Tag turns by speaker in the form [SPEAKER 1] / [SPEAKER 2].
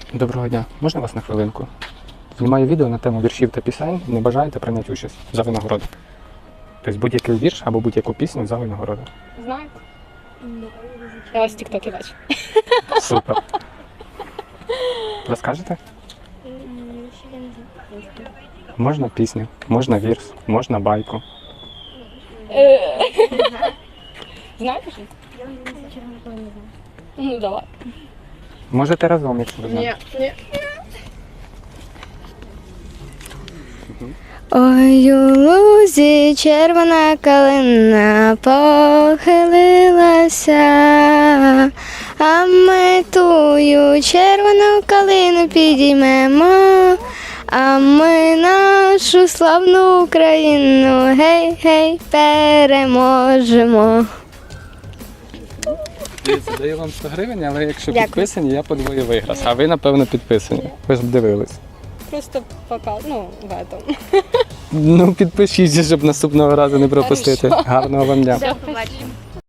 [SPEAKER 1] Доброго дня. Можна вас на хвилинку? Знімаю відео на тему віршів та пісень. Не бажаєте прийняти участь за винагороду? Тобто будь-який вірш або будь-яку пісню за винагороду.
[SPEAKER 2] Знаєте? Я вас в тіктокі бачу.
[SPEAKER 1] Супер. Розкажете? Можна пісню, можна вірш, можна байку.
[SPEAKER 2] Знаєте що? Ну давай.
[SPEAKER 1] Можете разом, якщо ви знаєте.
[SPEAKER 2] Ні.
[SPEAKER 3] Ой, у лузі червона калина похилилася, а ми тую червону калину підіймемо, а ми нашу славну Україну, гей-гей, переможемо.
[SPEAKER 1] Даю вам 100 гривень, але якщо
[SPEAKER 3] Дякую.
[SPEAKER 1] підписані, я подвою виграш. А ви, напевно, підписані. Ви ж дивились.
[SPEAKER 2] Просто пока, ну, в этом.
[SPEAKER 1] Ну, підпишіться, щоб наступного разу не пропустити. Гарного вам дня.
[SPEAKER 3] До побачення.